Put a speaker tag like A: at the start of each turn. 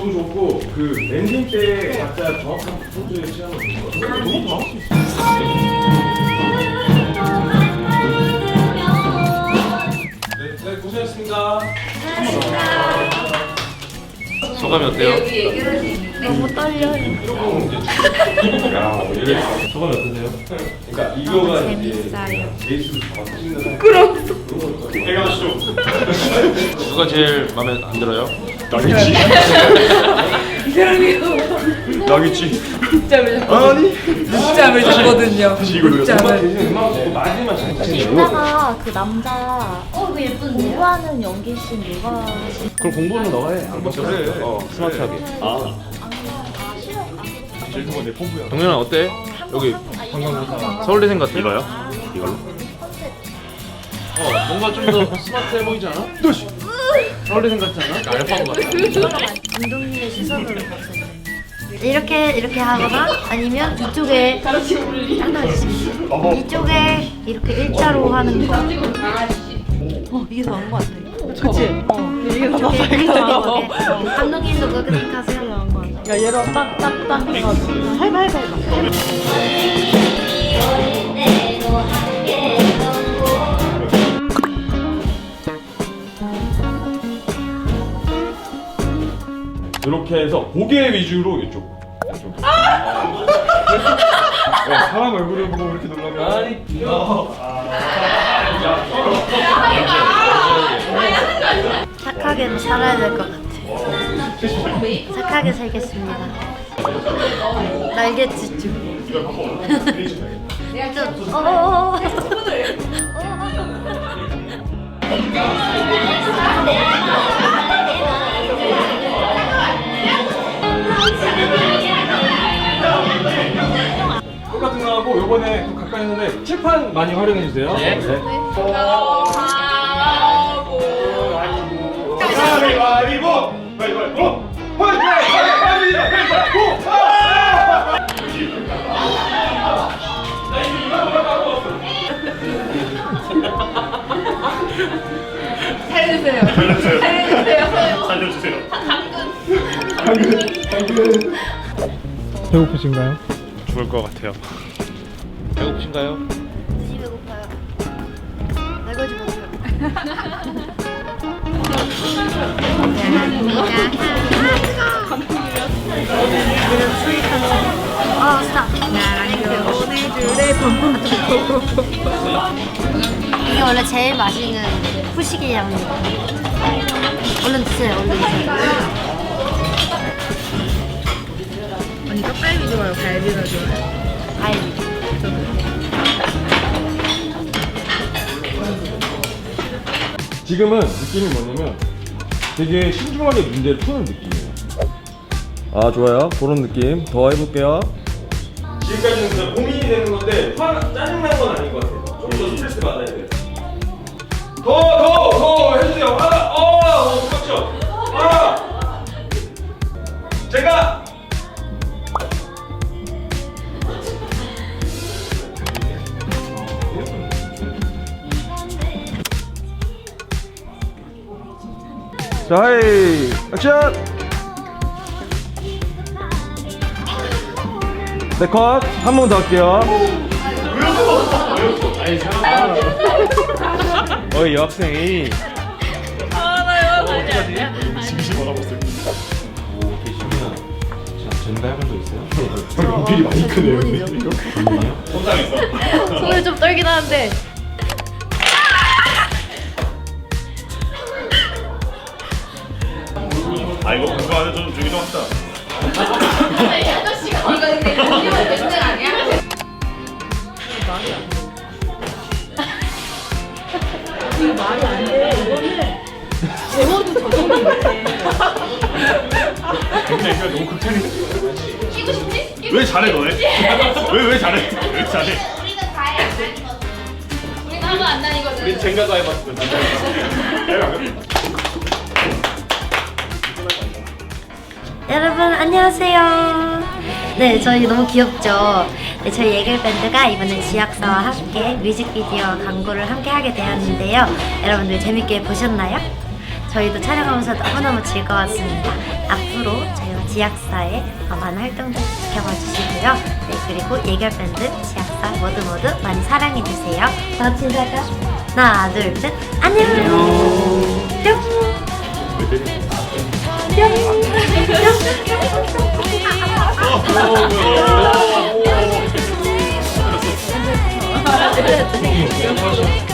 A: 너무 좋고 그 엔딩 때 각자 정확한 포즈의 시간을 주는 거 너무 정확할 수 있어요. 네, 고생했습니다.
B: 소감이 어때요?
C: 너무 떨려요.
B: 소감이 어떠세요?
A: 그러니까 이거가
C: 재밌어요.
A: 베이스를 잡아서 찍는 부끄러웠어.
B: 누가 제일 마음에 안 들어요?
A: 나겠지. 나겠지.
D: 늦잠을 잤거든요. 늦잠을.
A: 마지막 장치.
C: 이따가 그 남자 그 예쁜데 공부하는 연기씬 누가
B: 그럼 공부는 너가 해. 안 맞춰.
A: 그래.
B: 스마트하게.
A: 제일 좋은 내 pom프야.
B: 동현아 어때? 여기 서울대생 같아? 이거요? 이걸로? 뭔가 좀 더 스마트해 보이지 않아? 서울대생 같지 않아? 알파고 같아.
C: 감독님의 시선으로 봤어요. 이렇게 하거나 아니면 이쪽에 이쪽에 이렇게 일자로 하는 거.
D: 이게 더 나은 것 같아.
C: 그치? 이게 더 나은 것 같아. 감독님도 그렇게 생각하세요? 나은 것 같아.
D: 야 얘로 딱딱딱 해가지고 해봐.
A: 이렇게 해서 고개 위주로 이쪽. 사람 얼굴을 보고 이렇게 놀라면 아니
C: 착하게 살아야 될 것 같아. 착하게 살겠습니다. 날개짓 중.
A: 똑같은 거 하고 요번에 또 가까이 있는데 칠판 많이 활용해 주세요. 네.
B: 살려주세요.
A: 배고프신가요?
B: 죽을 것 같아요. 배고프신가요?
C: 되게 배고파요. 날개짓 못해요. 스탑. 이게 원래 제일 맛있는 후식이랍니다. 얼른 드세요, 얼른 드세요.
D: 아니 떡갈비 좋아요? 갈비가 좋아요?
C: 갈비.
A: 지금은 느낌이 뭐냐면 되게 신중하게 문제를 푸는 느낌이에요.
E: 아 좋아요. 그런 느낌 더 해볼게요.
A: 지금까지는 그냥 고민이 되는 건데 짜증난 건 아닌 것 같아요. 좀 더 스트레스 받아야 돼요. 더 해주세요. 그렇죠. 제가
E: 자 하이 액션. 네 컷. 한 번 더 할게요. 어이 여학생이
A: 전달 해본 적 있어요? 연필이 많이 크네요.
C: 손을 좀 떨긴 하는데.
B: 아 이거 그거 안에 좀 주기도 합시다. 너무 극찬이. 왜 잘해 너네? 왜 잘해? 왜 잘해?
F: 우리는 과외 안 다니거든. 우리는 학원 안 다니거든.
B: 우리 젠가 가해봤으면
C: 여러분 안녕하세요. 네, 저희 너무 귀엽죠? 네, 저희 예글밴드가 이번에 지약사와 함께 뮤직비디오 광고를 함께 하게 되었는데요. 여러분들 재밌게 보셨나요? 저희도 촬영하면서 너무너무 즐거웠습니다. 앞으로 저희와 지약사의 많은 활동들 지켜봐 주시고요. 네, 그리고 예결밴드, 지약사 모두 많이 사랑해주세요. 다 같이 인사할까요? 하나, 둘, 셋. 안녕! 뿅! 뿅!